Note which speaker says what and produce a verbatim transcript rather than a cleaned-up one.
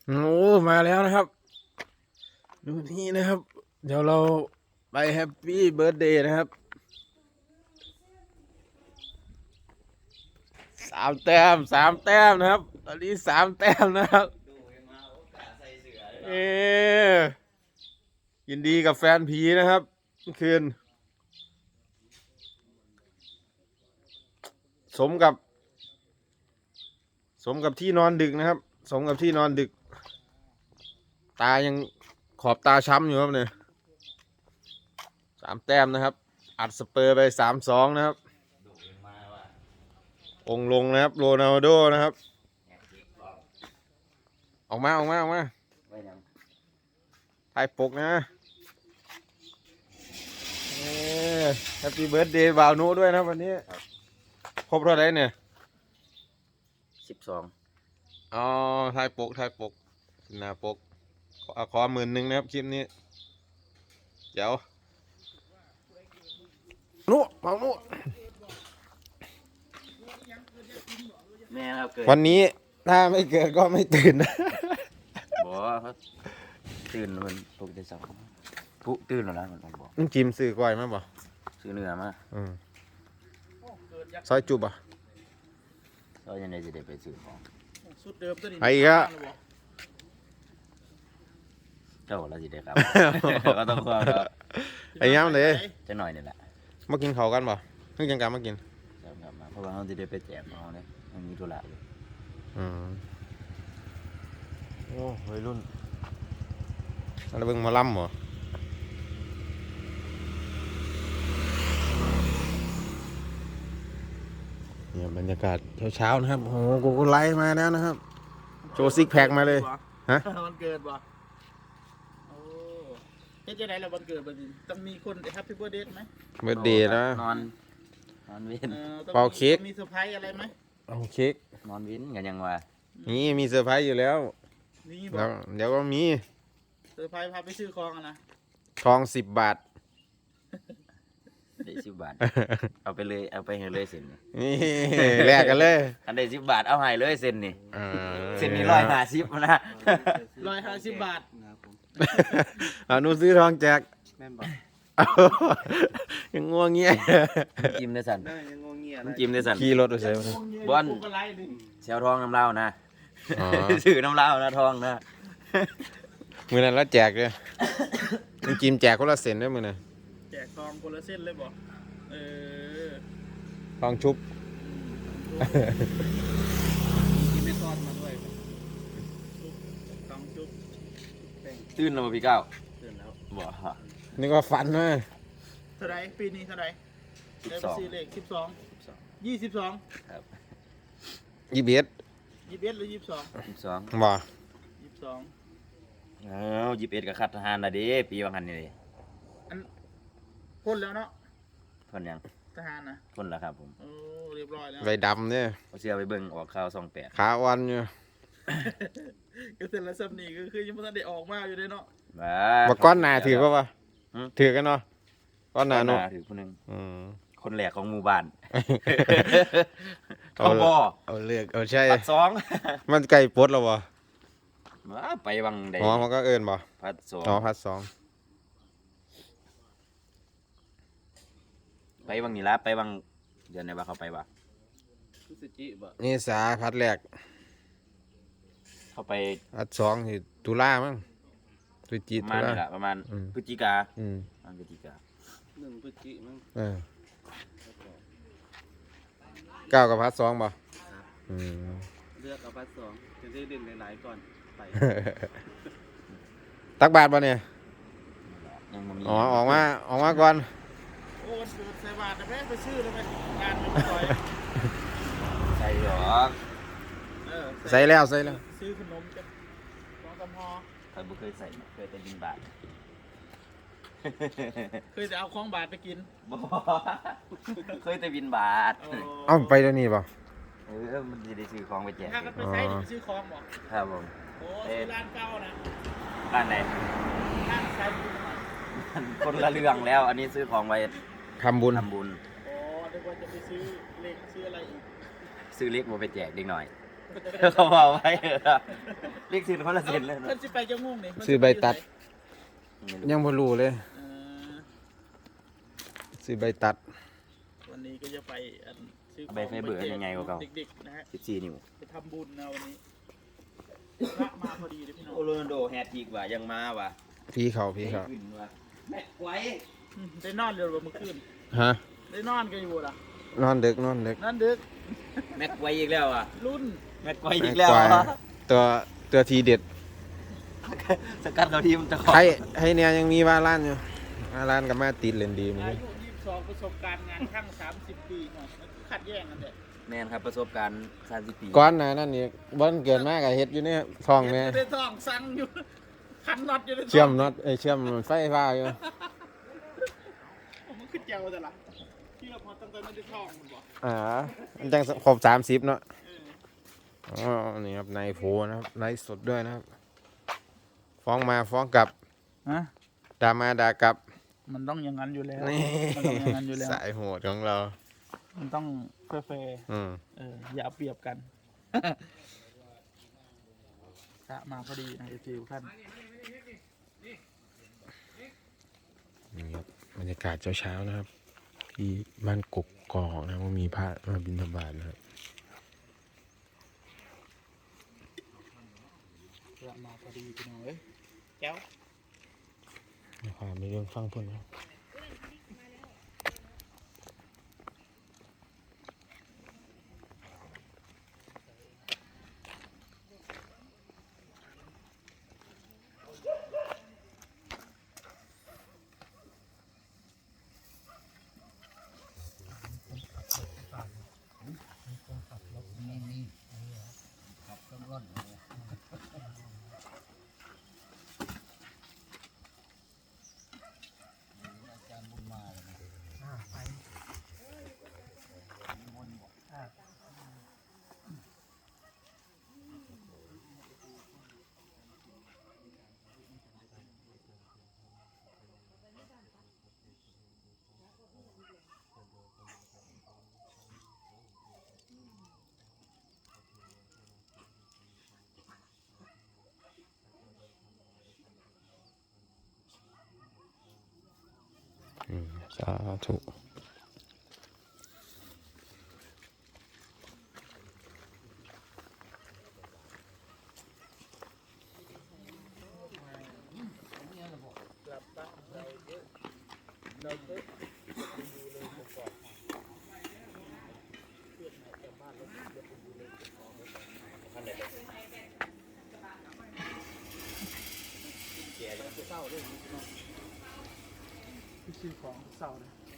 Speaker 1: โอ้มาแล้วนะครับดูนี่นะครับเดี๋ยวเราไปแฮปปี้เบิร์ธเดย์นะครับสามแต้มสามแต้มนะครับตอนนี้สามแต้มนะครับเออยินดีกับแฟนผีนะครับเมื่อคืนสมกับ สมกับที่นอนดึกนะครับ สมกับที่นอนดึก ตายังขอบตาช้ำอยู่ครับเนี่ยสามแต้มนะครับอัดสเปอร์ไปสามสองนะครับองลงนะครับโรนัลโดนะครับออกมาออกมาออกมาถ่ายปกนะแฮปปี้เบิร์ดเดย์บ่าวนุด้วยนะครับวันนี้ครบเท่าไหร่เนี่ย
Speaker 2: สิบสอง
Speaker 1: อ๋อถ่ายปกถ่ายปกหน้าปกขอขอหมื่นหนึ่งนะครับคลิปนี้เดี๋ยวนุบ่าวนุ
Speaker 2: แม่ครับเกิด
Speaker 1: วันนี้ถ้าไม่เกิดก็ไม่ตื่นนะ
Speaker 2: บอกเขาตื่นมันปกติสองปุ๊ตื่นแล้วนะมันบอก
Speaker 1: มึงจิมซื้อก้อยมาบ่
Speaker 2: ซื้อเนื้อมา
Speaker 1: อืมซอยจุบอ่ะ
Speaker 2: ซอยยังไงจะได้ไปซื้อของ
Speaker 3: สุดเดิมตัวนี้
Speaker 1: ไอ้ก็
Speaker 2: เจ้าเราจะได้ครับก็ต้องความ
Speaker 1: ไอ้ย้ำเลย
Speaker 2: จะหน่อยนี่แหละ
Speaker 1: มากินเขากันบ่เพิ่งจังการมากิน
Speaker 2: เพราะว่าเราจะได้ไปแจกน้องเนี่ยมันมีธุระอยู่
Speaker 1: อืมโอ้วัยรุ่นอะไรเบิ่งมาล่ำเหรอเนี่ยบรรยากาศเช้าๆนะครับโอ้โหกูก็ไลฟ์มาแล้วนะครับโชว์ซิกแพคมาเลยฮะ
Speaker 3: วันเกิดบ่โอ้เฮ็ดจังได๋ล่ะวันเกิดบัดนี้ต้องมีคนแฮปปี้เบิร์ธเดย์ไหม
Speaker 1: เบิร์ธเดย์นะ
Speaker 2: นอนนอนวิน
Speaker 1: เป่าเค้ก
Speaker 3: มีเซอร์ไพรส์อะไรไหม
Speaker 1: เอาเค้ก
Speaker 2: นอนวินกันยังวะ
Speaker 1: นี่มีเซอร์ไพรส์อยู่แล้ว
Speaker 3: นี่
Speaker 1: แล้วเดี๋ยวก็มี
Speaker 3: เซอร์ไพรส์พาไปซื้อของนะ
Speaker 1: ทองสิบบาท
Speaker 2: ได้สิบบาทเอาไปเลยเอาไปให้เลยเซ็น
Speaker 1: นี่แลกกันเลย
Speaker 2: อันได้สิบบาทเอาให้เลยเซ็นนี่เซ็นนี่ร้อยห้าสิบนะ
Speaker 3: ร้อยห้าสิบบาท
Speaker 1: อ่านูซื้อทองแจกแม่นบอกยังง่วงเงี้ย
Speaker 2: จิ้มได้สั่น
Speaker 3: ยังง่วงเงี้ย
Speaker 2: จิ้มได้สั่น
Speaker 1: ขี่รถไปใส่
Speaker 2: บอลเชลทองน้ำเล่านะซื้อน้ำเล่านะทองนะ
Speaker 1: มือนั้นแล้วแจกเลยมันจิ้มแจกคนละเซนด้วยมือนั้น
Speaker 3: แจกทองคนละเส้นเลยบอกเออ
Speaker 1: ทองชุบ
Speaker 3: กินไม่ทอดมาด้วยทองชุบ
Speaker 2: ตื่นแล้วพี่เก้า
Speaker 3: ตื่นแล้ว
Speaker 2: บ่
Speaker 1: นี่ก็ฝันนะ
Speaker 3: เท่าไรปีนี้เท่าไรได้ไปซื้อเลขสิบสองยี่สิบสอง
Speaker 2: ครับ
Speaker 1: ยี่สิบเอ็ด
Speaker 3: ยี่สิบเอ็ดหรือยี่สิบสอง
Speaker 2: ยี่สิบสอง
Speaker 1: บ่
Speaker 3: ยี่สิบสอง
Speaker 2: เอ้ายี่สิบเอ็ดกับขัดทหารนะดิปีบางหันนี่ดิ
Speaker 3: อันพ้นแล้วเนาะ
Speaker 2: พ้นยัง
Speaker 3: ทหารนะ
Speaker 2: พ้นแล้วครับผม
Speaker 3: โอ้เรียบร้อยแล้ว
Speaker 1: ใบดำเนี่ย
Speaker 2: เอาเสื้อไปเบิ่งออกข่าวสองแปด
Speaker 1: ขาวันอยู่
Speaker 3: ก็เสร็จแล้วสับนี่ก็คือยังไม่ทันได้ออกมาอยู่เลยเนาะ
Speaker 1: มาก้อนหนาถือป่ะวะถือกันเนาะก้อนหนาเนาะ
Speaker 2: ถือคนหนึ่งคนแหลกของหมู่บ้าน
Speaker 1: เขาบ่เอาเลือกเอาใช่
Speaker 2: พัดสอง
Speaker 1: มันไก่ปดแล้ววะ
Speaker 2: ไปวังใด
Speaker 1: อ๋อมันก็เอิญบ่
Speaker 2: พัดสอง
Speaker 1: อ๋อพัดสอง
Speaker 2: ไปวังนี่ละไปวังเดือนไหนบ้างเขาไปบ้าง
Speaker 1: นี่สาพัดแรก
Speaker 2: เขาไป
Speaker 1: พัดสองที่ตุลามั้งตุจีตุลา
Speaker 2: ประมาณพฤศจิกา
Speaker 1: อืม
Speaker 2: พฤศจิกา
Speaker 3: หนึ่งพฤศจิมั้ง
Speaker 1: เออเก้ากับพัดสองบ่
Speaker 3: เลือกเอาพัดสองจะได้เด่นหลายๆก่อนไป
Speaker 1: ตักบาทป่ะเนี่ยอ๋อออกมาออกมาก่อน
Speaker 3: โอ้เกิดใส่บาทแต่แม่ไปซื้อแล้วไหมงานไม่ต่อย
Speaker 2: ใส่หรอ
Speaker 1: ใส่แล้วใส่แล้ว
Speaker 3: ซื้อขนมจ้ะลองกำพอ
Speaker 2: เคยบุเคยใส่เคยแต่บินบาท
Speaker 3: เคยจะเอาของบาทไปกิน
Speaker 2: บ่เคยแต่บินบาท
Speaker 1: เอ้าไปแล้วนี่ป่ะ
Speaker 2: เออมันจะได้ซื้อของไปแจก
Speaker 3: ถ้าก็ไปใช้ไปซื้อของบ่
Speaker 2: ครับผม
Speaker 3: โอ้ซื้อร้านเก่านะ
Speaker 2: ร้านไหน
Speaker 3: ร้านใช้
Speaker 2: คนละเรื่องแล้วอันนี้ซื้อของไป
Speaker 1: ทำบุญ
Speaker 2: ทำบุญ
Speaker 3: อ๋อเดี๋ยวว่าจะไปซื้อเล็กซื้ออะไรอีก
Speaker 2: ซื้อเล็กมาไปแจกเด็กหน่อย
Speaker 3: ท
Speaker 2: เขาบอกไว้เหรอเรียกสินคนละสินเลย
Speaker 3: เพิ่นสิไปจะง่วงนี่เพิ่นสิ
Speaker 1: ซื้อใบตัด
Speaker 2: ไม่รู้
Speaker 1: ยังบ่รู้เลย
Speaker 3: เอ่อ
Speaker 1: ซื้อใบตัด
Speaker 3: วันนี้ก็จะไปอันซื้อของ
Speaker 2: ใบไฟเบอร์ยังไงกว่าเก่า
Speaker 3: เด็กๆนะฮะ
Speaker 2: สิบสี่นิ้ว
Speaker 3: ไปทำบุญนะวันนี้พระมาพอดีเลยพี่น้อง
Speaker 2: โอโรนลโดแฮตอีกว่ะยังมาว่ะ
Speaker 1: พี่เขาพี่เขา
Speaker 2: ขึ้นว่ะแม็กไว้
Speaker 3: อืมได้นอนเร็วกว่าเมื่อคืน
Speaker 1: ฮะ
Speaker 3: ได้นอนกันอยู่ล่ะ
Speaker 1: นอนดึกนอนดึก
Speaker 3: นั่นดึก
Speaker 2: แม็กไว้อีกแล้วอ่ะ
Speaker 3: รุ่น
Speaker 2: แม็กไว้อีกแล้ว
Speaker 1: กวาย
Speaker 2: อ่ะ
Speaker 1: ตัวตัวทีเด็ด
Speaker 2: สกัดเขาทีมตะขอ
Speaker 1: ให้ให้เนี่ยยังมีวาล้านอยู่วาล้านกับมาติดเล่นดีมั้
Speaker 3: อาย ยุยี่สิบสองประสบการณ์งานช่างสามสิบปีเนาะขัดแย้งกันเด้
Speaker 2: แมนครับประสบการณ์สามสิบปี
Speaker 1: ก้อนหนะนั่นนี่บ่นเกินมากกับเฮ็ดอยู่เนี่ยท้องแม่
Speaker 3: เฮ็ดอยู่ในท้องสั่งอยู่ขันน็อตอยู่ในท้อง
Speaker 1: เชื่อมน็อตเอ้ยเชื่อมไฟฟ้าอยู่
Speaker 3: ผมมันขึ้นเจ้าแต่ละที่เราพอตั้งแต่ไม่ได้ท้องมันบอก
Speaker 1: อ่ามันจังครบสามสิบเนาะ
Speaker 3: เออ
Speaker 1: อ๋อนี่ครับนายโฟนะครับไลฟ์สดด้วยนะครับ ฟ้องมาฟ้องกลับ
Speaker 3: ฮะ
Speaker 1: ด่ามาด่ากลับ
Speaker 3: มันต้องอย่างนั้นอยู่แล้ว
Speaker 1: นี่
Speaker 3: มันต้องอย่างนั้นอยู่แล้ว
Speaker 1: สายโหดของเรา
Speaker 3: มันต้องแฟร์
Speaker 1: อืม
Speaker 3: ๆเอออย่าเอาเปรียบกันพระมาพอดีนะไอฟิวขั้น
Speaker 1: นี่ครับบรรยากาศเช้าๆนะครับ ที่บ้านกกกอกนะว่ามีพระมาบิณฑบาตนะครับ
Speaker 3: พระมาพอดีพี่น้องเอ้ยแก้ว
Speaker 1: นะครับมีเรื่องฟังเพิ่นครับอืมสาธุ
Speaker 3: กลับบ้านเราเยอะเราเยอะดูเลยประกอบเพื่อนไหนกลับบ้านแล้วเดี๋ยวไปดูเลยประกอบเศร้าด้วยพี่น้องพี่ซื้อของเศร้าเลย